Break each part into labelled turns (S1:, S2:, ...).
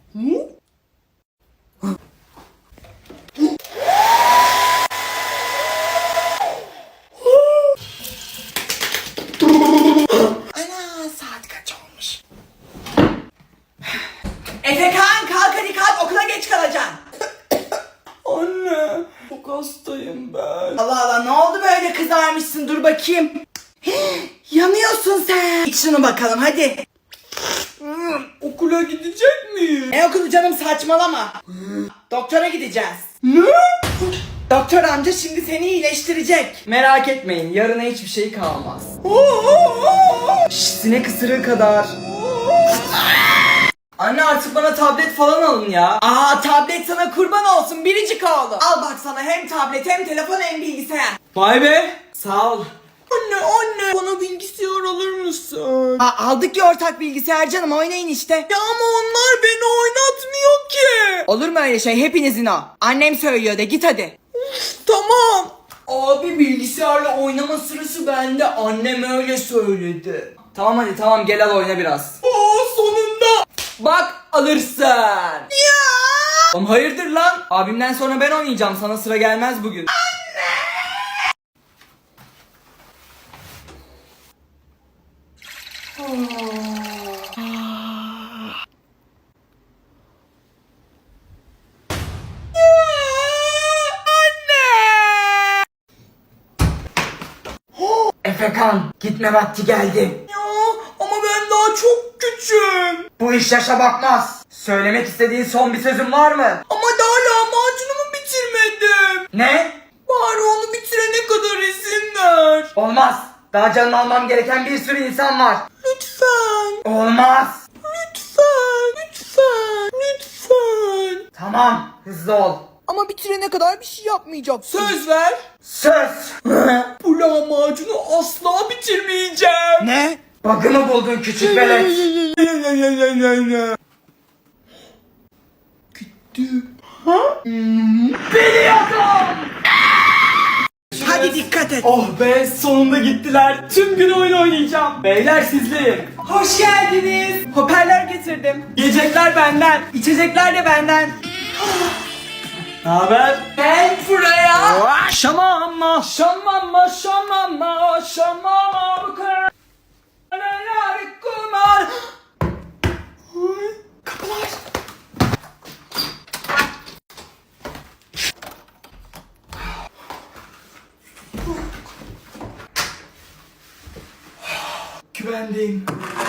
S1: Ana, saat kaç olmuş? Efekan kalk hadi kalk, okula geç kalacaksın.
S2: Anne, çok hastayım ben.
S1: Allah Allah, ne oldu böyle kızarmışsın, dur bakayım. Yanıyorsun sen. İç şunu bakalım hadi.
S2: Okula gidecek miyim?
S1: Ne okulu canım, saçmalama. Doktora gideceğiz.
S2: Ne?
S1: Doktor amca şimdi seni iyileştirecek.
S2: Merak etmeyin, yarına hiçbir şey kalmaz. Şşş, sinek ısırığı kadar. Anne artık bana tablet falan alın ya.
S1: Aa, tablet sana kurban olsun biricik oğlum. Al bak sana hem tablet hem telefon hem bilgisayar.
S2: Vay be, sağ ol.
S1: Anne
S2: Bana bilgisayar alır mısın?
S1: aldık ya ortak bilgisayar canım, oynayın işte.
S2: Ya ama onlar beni oynatmıyor ki.
S1: Olur mu öyle şey, hepinizin o. Annem söylüyor de, git hadi.
S2: Tamam. Abi bilgisayarla oynama sırası bende. Annem öyle söyledi. Tamam hadi tamam, gel al oyna biraz. Sonunda. Bak alırsın.
S1: Ya.
S2: Oğlum hayırdır lan? Abimden sonra ben oynayacağım. Sana sıra gelmez bugün.
S3: Efekan, gitme vakti geldi.
S2: Ya ama ben daha çok küçüğüm.
S3: Bu iş yaşa bakmaz. Söylemek istediğin son bir sözün var mı?
S2: Ama daha lahmacunumu bitirmedim.
S3: Ne?
S2: Bari onu bitirene kadar izin ver.
S3: Olmaz. Daha canını almam gereken bir sürü insan var.
S2: Lütfen.
S3: Olmaz.
S2: Lütfen.
S3: Tamam, hızlı ol.
S1: Ama bitirene kadar bir şey yapmayacaksın.
S2: Söz ver.
S3: Söz.
S2: Bu lahmacunu asla bitirmeyeceğim.
S1: Ne?
S3: Bug'ını buldun küçük velet.
S2: Gittim.
S1: Hadi dikkat et.
S2: Oh be, sonunda gittiler. Tüm gün oyun oynayacağım. Beyler sizleyim.
S1: Hoş geldiniz. Hoparlör getirdim.
S2: Yiyecekler benden. İçecekler de benden. Ne haber?
S1: Gel buraya.
S2: Şamama, şamama, şamama, şamama bu kadar kumar. Kapılar. Güvendeyim.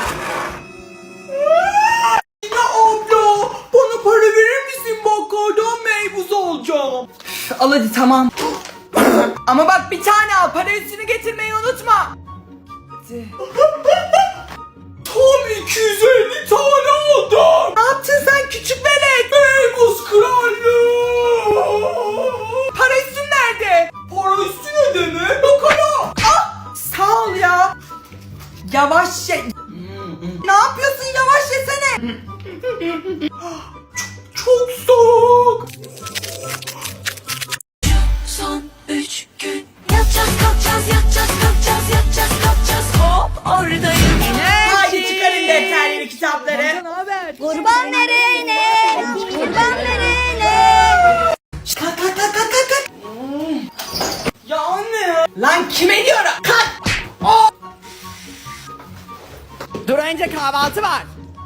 S2: Yine abla, bana para verir misin, bakkaldan meybuz alacağım.
S1: Al hadi tamam. Ama bak bir tane al, para üstünü getirmeyi unutma.
S2: Tam 250 tane aldım.
S1: Ne yaptın sen küçük velet?
S2: Meybuz krallığı.
S1: Para üstün nerede?
S2: Para üstü ne demek? Bakalım.
S1: Ah, sağ ol ya. Yavaş ye. Ne yapıyorsun, yavaş yesene.
S2: Çok soğuk.
S4: Son 3 gün yatacağız kalkacağız yatacağız kalkacağız yatacağız kalkacağız hop oradayım yine.
S1: Hadi çıkarın defterleri, kitapları.
S4: Kurban verene kurban verene.
S1: Kalk kalk kalk kalk kalk, kalk.
S2: Ya anne ya.
S1: Lan kime diyorum? Kalk. Oh. Dur önce kahvaltı var.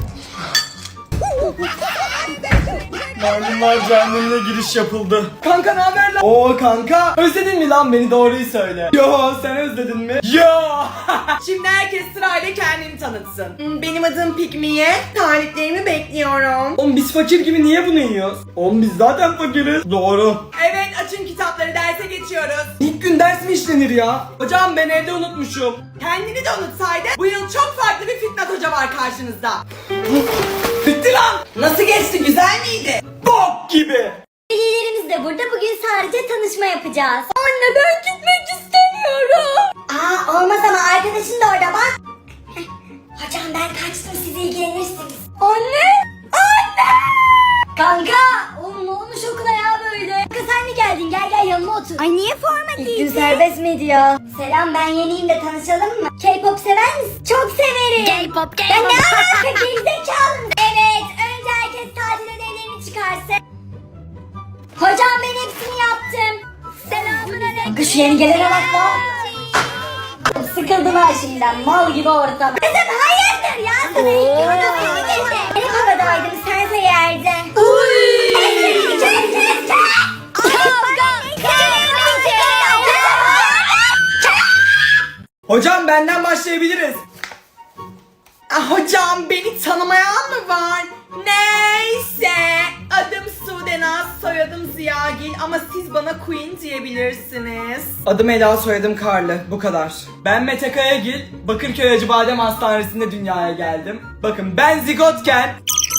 S2: Maymunlar cehennemine giriş yapıldı. Kanka ne haber lan? Oo kanka. Özledin mi lan beni, doğruyu söyle. Yo, sen özledin mi? Yo.
S1: Şimdi herkes sırayla kendini tanıtsın. Benim adım Pikmiye. Taliplerimi bekliyorum.
S2: Oğlum biz fakir gibi niye bunu yiyoruz? Oğlum biz zaten fakiriz. Doğru.
S1: Evet, açın kitapları, derse geçiyoruz.
S2: İlk gün ders mi işlenir ya? Hocam ben evde unutmuşum.
S1: Kendini de unutsaydın. Bu yıl çok farklı bir Fitnat Hoca var karşınızda.
S2: Bitti lan.
S1: Nasıl geçti, güzel miydi?
S2: Bok gibi.
S4: Velilerimiz de burada, bugün sadece tanışma yapacağız. Anne ben gitmek istemiyorum. Aa olmaz ama arkadaşın da orada bak. Hocam ben kaçtım, siz ilgilenirsiniz. Anne! Anne! Kanka! Oğlum ne olmuş okula ya böyle? Kanka sen mi geldin? Gel gel yanıma otur. Ay niye forma değil? İlk gün serbest mi diyor? Selam, ben yeniyim de tanışalım mı? K-pop sever misin? Çok severim. K-pop, K-pop. Ya ne alaka gerizekalı mısın? Evet, önce herkes tacını Şu yeni gelene bak lan. Sıkıldım ha şimdiden, mal gibi ortam. Kızım hayırdır ya, sana ilk odasını getir. Benim odadaydım, sense yerde.
S2: Hocam benden başlayabiliriz.
S1: Hocam beni tanımayan mı var? Neyse. Adım Sudenaz, soyadım Ziyagil ama siz bana Queen diyebilirsiniz.
S2: Adım Ela, soyadım Karlı. Bu kadar. Ben Mete Kayagil. Bakırköy Acıbadem Hastanesi'nde dünyaya geldim. Bakın ben zigotken...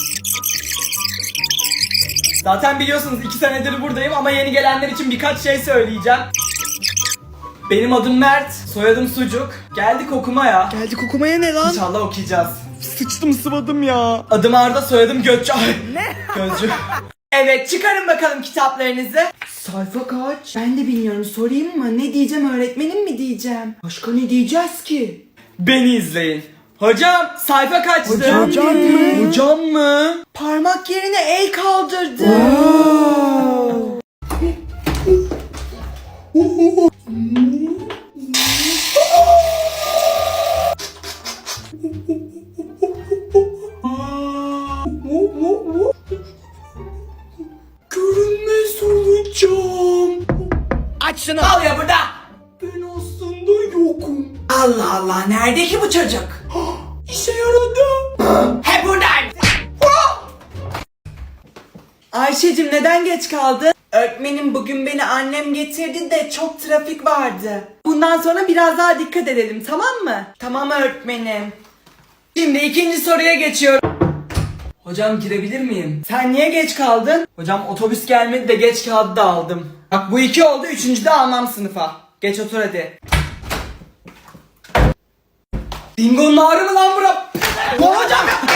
S2: Zaten biliyorsunuz 2 senedir buradayım ama yeni gelenler için birkaç şey söyleyeceğim. Benim adım Mert, soyadım Sucuk. Geldik okumaya.
S1: Geldik okumaya ne lan?
S2: İnşallah okuyacağız.
S1: Sıçtım sıvadım ya.
S2: Adım Arda, soyadım Gökçe. Ne? Gözcü.
S1: Evet, çıkarın bakalım kitaplarınızı. Sayfa kaç? Ben de bilmiyorum, sorayım mı? Ne diyeceğim, öğretmenim mi diyeceğim? Başka ne diyeceğiz ki?
S2: Beni izleyin. Hocam sayfa kaçtı?
S1: Hocam mı?
S2: Hocam mı?
S1: Parmak yerine el kaldırdı.
S2: Görünmez olacağım.
S1: Aç şunu.
S2: Al ya burada. Ben aslında yokum.
S1: Allah Allah, nerede ki bu çocuk?
S2: İşe yaradı.
S1: He buradan. Ayşe'cim neden geç kaldın? Öğretmenim bugün beni annem getirdi de çok trafik vardı. Bundan sonra biraz daha dikkat edelim, tamam mı? Tamam öğretmenim. Şimdi ikinci soruya geçiyorum.
S2: Hocam girebilir miyim?
S1: Sen niye geç kaldın?
S2: Hocam otobüs gelmedi de geç kağıdı da aldım.
S1: Bak bu 2 oldu, 3. de almam sınıfa. Geç otur hadi.
S2: Dingo'nun ağrı mı lan bura? Ne hocam ya?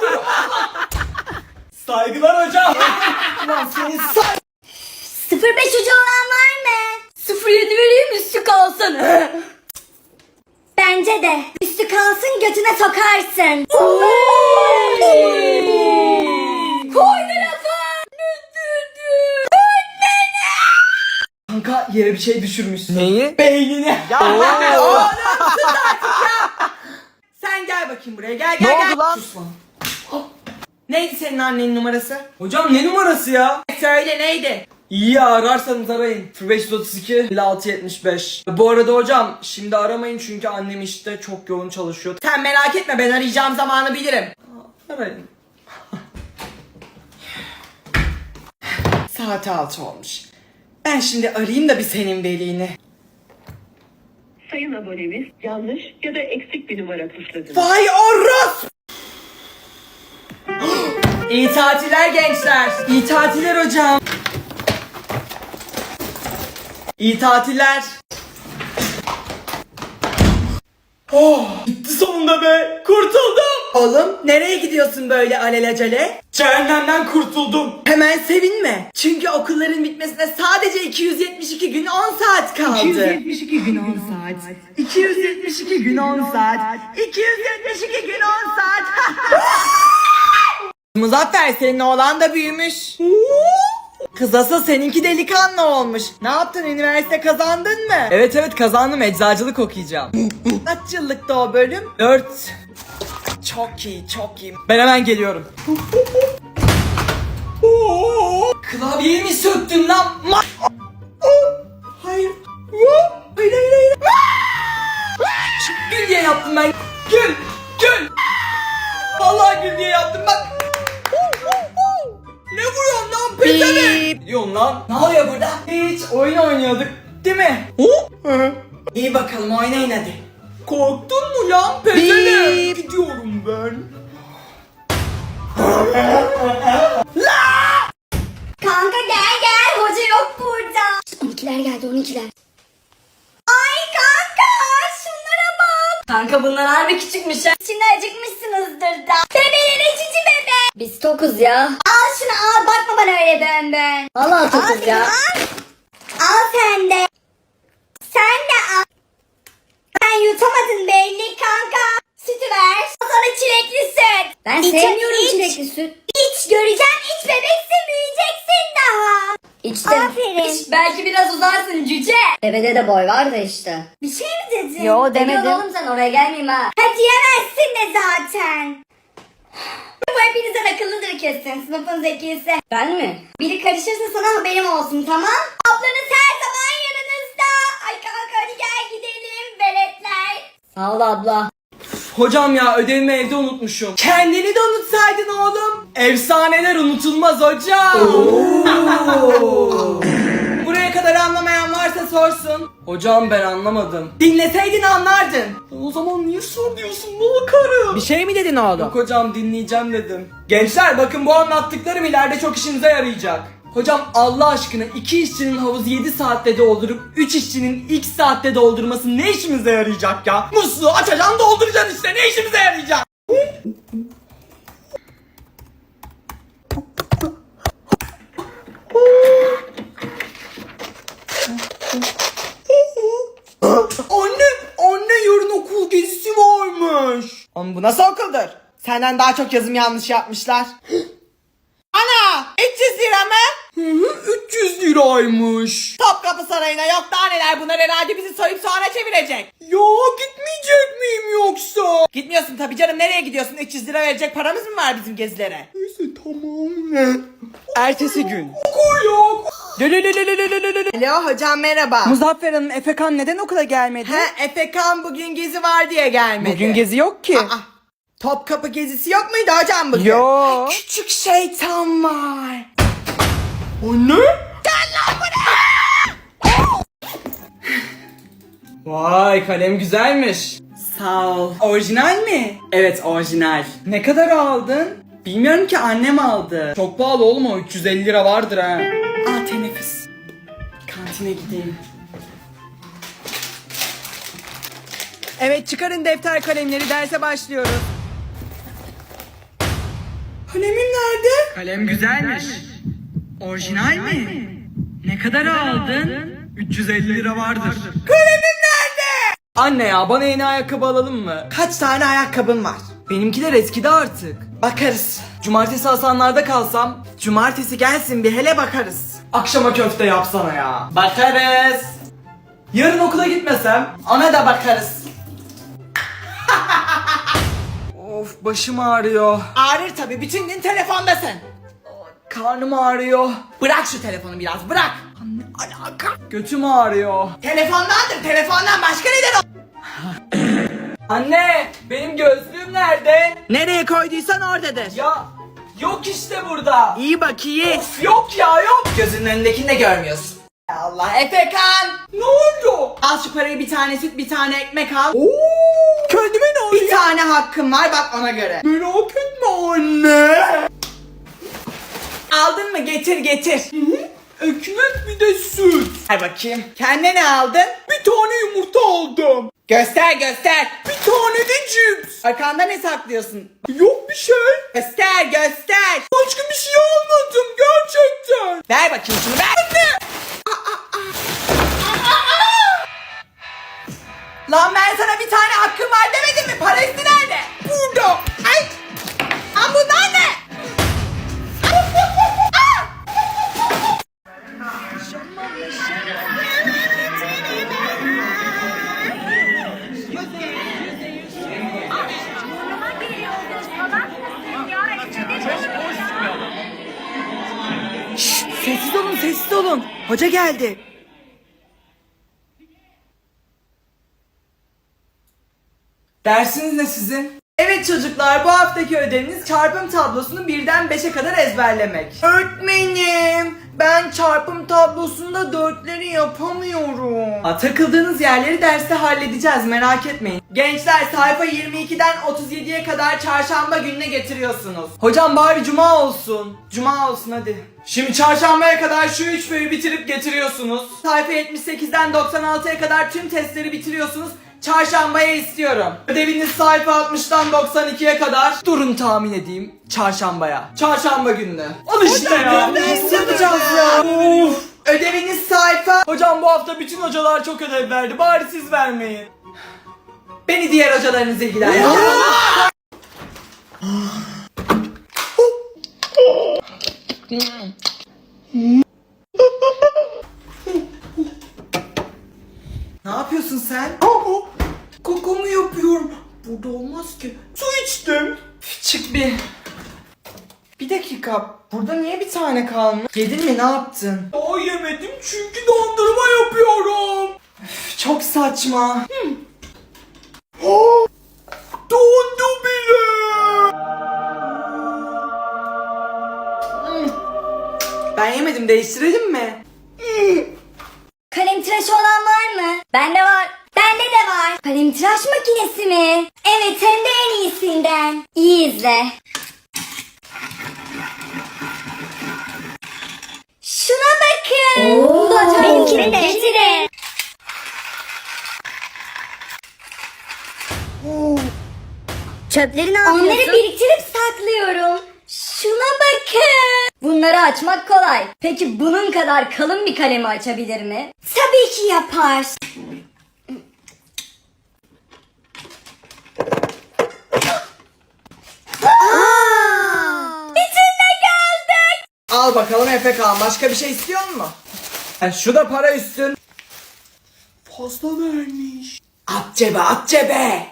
S2: Saygılar hocam.
S1: Lan senin
S4: 05 ucu olan var mı? 07 vereyim, üstü kalsın. Bence de. Üstü kalsın, götüne sokarsın. Koydu lafı.
S2: Kanka yere bir şey düşürmüşsün.
S3: Neyi?
S2: Beynini.
S1: Oğlum sus artık ya. Sen gel bakayım buraya, gel
S3: Ne
S1: gel gel.
S3: oldu lan?
S2: Sus lan.
S1: Neydi senin annenin numarası?
S2: Hocam ne numarası ya?
S1: Söyle neydi?
S2: İyi ararsanız arayın. 0532 5675. Bu arada hocam şimdi aramayın çünkü annem işte çok yoğun çalışıyor.
S1: Sen merak etme, ben arayacağım zamanı bilirim.
S2: Arayın.
S1: Saat 6 olmuş. Ben şimdi arayayım da bir senin velini.
S5: Sayın abonemiz yanlış ya da eksik bir numara tuşladınız.
S1: Vay orospu! İyi tatiller gençler.
S2: İyi tatiller hocam. İyi tatiller. Oh, bitti sonunda be. Kurtuldum.
S1: Oğlum nereye gidiyorsun böyle alelacele?
S2: Cehennemden kurtuldum.
S1: Hemen sevinme. Çünkü okulların bitmesine sadece 272 gün 10 saat kaldı. 272 gün 10 saat. 272 gün 10 saat. 272 gün 10 saat. Muzaffer, senin oğlan da büyümüş. Kız asıl seninki delikanlı olmuş. Ne yaptın, üniversite kazandın mı?
S2: Evet kazandım, eczacılık okuyacağım.
S1: Kaç yıllıkta o bölüm?
S2: 4.
S1: Çok iyi, çok iyi.
S2: Ben hemen geliyorum. Klavyeyi mi söktün lan?
S1: Hayır. Hayır, hayır, hayır.
S2: Gül diye yaptım ben. Gül. Gül. Vallahi gül diye yaptım bak. Ne vuruyorsun lan pezevenk? Ne diyorsun lan?
S1: Ne oluyor burada?
S2: Hiç oyun oynuyorduk değil mi?
S1: İyi bakalım, oynayın hadi.
S2: Korktun mu lan pezevenk? Gidiyorum ben.
S4: Kanka gel gel, hoca yok burada. 12'ler geldi, 12'ler. Ay kanka, şunlara bak. Kanka bunlar harbi küçükmüş ha. Şimdi acıkmışsınızdır da. Bebeğin cici bebe. Biz tokuz ya. Al şunu al, bakma bana öyle ben ben. Vallahi tokuz ya. Al sen de. Sen de al. Sen yutamadın belli kanka. Sütü ver. Sana çilekli süt. Ben sevmiyorum çilekli süt. İç göreceğim, iç bebeksin, büyüyeceksin daha. İçtim. Aferin. Belki biraz uzarsın cüce. Devede de boy var da işte. Bir şey mi dedin? Yo demedim. Oğlum sen oraya gelmeyeyim ha. Ha diyemezsin de zaten. Bu hepinizden akıllıdır kesin. Sınıfın zekisi. Ben mi? Biri karışırsa sana haberim olsun tamam? Ablanız her zaman yanınızda. Ay kanka hadi gel gidelim veletler. Sağ ol abla.
S2: Hocam ya ödevimi evde unutmuşum. Kendini de unutsaydın oğlum. Efsaneler unutulmaz hocam.
S1: Buraya kadar anlamayan varsa sorsun.
S2: Hocam ben anlamadım.
S1: Dinleseydin anlardın.
S2: O zaman niye sor diyorsun ne karı?
S1: Bir şey mi dedin oğlum?
S2: Yok hocam dinleyeceğim dedim. Gençler bakın bu anlattıklarım ileride çok işinize yarayacak. Hocam Allah aşkına 2 işçinin havuzu 7 saatte doldurup 3 işçinin x saatte doldurması ne işimize yarayacak ya? Musluğu açacaksın dolduracaksın işte ne işimize yarayacak?
S1: Anne yarın okul gezisi varmış. Ama bu nasıl okuldur? Senden daha çok yazım yanlış yapmışlar. Ana 300 lira mı?
S2: 300 liraymış.
S1: Topkapı Sarayı'na yok daha neler, bunlar herhalde bizi soyup sonra çevirecek.
S2: Ya gitmeyecek miyim yoksa?
S1: Gitmiyorsun tabii canım, nereye gidiyorsun? 300 lira verecek paramız mı var bizim gezilere?
S2: Neyse tamam ne?
S1: Ertesi gün.
S2: Okul yok.
S1: Alo hocam merhaba.
S3: Muzaffer Hanım, Efekan neden okula gelmedi?
S1: He Efekan bugün gezi var diye gelmedi.
S3: Bugün gezi yok ki.
S1: Aa, Topkapı gezisi yok muydu hocam bugün?
S3: Yo.
S1: Küçük şeytan var.
S2: Anne? Vay kalem güzelmiş.
S1: Sağ ol. Orijinal mi?
S2: Evet orijinal.
S1: Ne kadar aldın?
S2: Bilmiyorum ki annem aldı. Çok pahalı oğlum o 350 lira vardır ha.
S1: Aa teneffüs. Kantine gideyim. Evet çıkarın defter kalemleri, derse başlıyoruz. Kalemim nerede?
S3: Kalem güzelmiş. Orijinal mi? Ne kadar aldın? 350 lira vardır.
S1: Kalemim nerede?
S2: Anne ya bana yeni ayakkabı alalım mı?
S1: Kaç tane ayakkabın var?
S2: Benimkiler eskidi artık.
S1: Bakarız.
S2: Cumartesi Hasanlar'da kalsam
S1: Cumartesi gelsin bir hele bakarız.
S2: akşama köfte yapsana ya. Bakarız. Yarın okula gitmesem
S1: Ona da bakarız.
S2: of başım ağrıyor.
S1: Ağrır tabii, bütün gün telefondasın.
S2: Karnım ağrıyor.
S1: Bırak şu telefonu biraz, bırak. Ne alaka?
S2: Götüm ağrıyor.
S1: Telefondandır, telefondan başka neden o?
S2: Anne benim gözlüğüm nerede?
S1: Nereye koyduysan oradadır.
S2: Ya yok işte burada.
S1: İyi bak iyi.
S2: Of yok ya yok.
S1: Gözünün önündekini de görmüyorsun. Ya Allah Efekan.
S2: Ne oldu?
S1: Al şu parayı, bir tane süt bir tane ekmek al.
S2: Oo, kendime ne oluyor?
S1: Bir tane hakkım var bak ona göre.
S2: Merak etme anne.
S1: Aldın mı? Getir getir.
S2: Ekmek bir de süt.
S1: Ver bakayım. Kendine ne aldın?
S2: Bir tane yumurta aldım.
S1: Göster göster.
S2: Bir tane de cips.
S1: Arkanda ne saklıyorsun?
S2: Yok bir şey.
S1: Göster göster.
S2: Başka bir şey almadım gerçekten.
S1: Ver bakayım şunu ver. Lan ben sana bir tane hakkım var demedim mi? Parası nerede?
S2: Burada.
S1: Ay! Lan bunlar ne? Sessiz olun, sessiz olun. Hoca geldi.
S2: Dersiniz ne sizin?
S1: Evet çocuklar, bu haftaki ödeviniz çarpım tablosunu 1'den 5'e kadar ezberlemek. Öğretmenim, ben çarpım tablosunda 4'leri yapamıyorum. Takıldığınız yerleri derste halledeceğiz, merak etmeyin. Gençler sayfa 22'den 37'ye kadar çarşamba gününe getiriyorsunuz.
S2: Hocam bari cuma olsun.
S1: Cuma olsun hadi.
S2: Şimdi çarşambaya kadar şu 3 föyü bitirip getiriyorsunuz.
S1: Sayfa 78'den 96'ya kadar tüm testleri bitiriyorsunuz. Çarşambaya istiyorum.
S2: Ödeviniz sayfa 60'tan 92'ye kadar. Durun tahmin edeyim. Çarşambaya. Çarşamba gününe. Al işte ya.
S1: Nasıl yapacağız ya?
S2: Of.
S1: Ödeviniz sayfa.
S2: Hocam bu hafta bütün hocalar çok ödev verdi. Bari siz vermeyin.
S1: Beni diğer hocalarınız ilgilendirir. sen?
S2: Kaka mı yapıyorum? Burada olmaz ki. Su içtim.
S1: Çık bir. Bir dakika. Burada niye bir tane kalmış? Yedin mi, ne yaptın?
S2: Daha yemedim çünkü dondurma yapıyorum.
S1: Çok saçma.
S2: Dondu bile.
S1: Ben yemedim, değiştirelim mi?
S4: Kalem tıraşı olan var mı? Bende var. Bende de var. Kalem tıraş makinesi mi? Evet, hem de en iyisinden. İyi izle. Şuna bakın. Benimkini de getirin. Çöpleri ne yapıyorsun? Onları biriktirip saklıyorum. Şuna bakın. Bunları açmak kolay. Peki bunun kadar kalın bir kalemi açabilir mi? Tabii ki yapar. İçinde kaldık.
S2: Al bakalım Efekan, başka bir şey istiyor musun? Şu da para üstün. Fazla vermiş.
S1: At cebe, at cebe.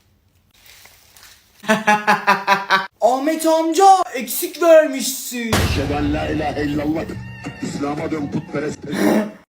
S2: Ahmet amca eksik vermişsin.
S6: Eşhedü en la ilahe illallah. İslam'a dön putperest.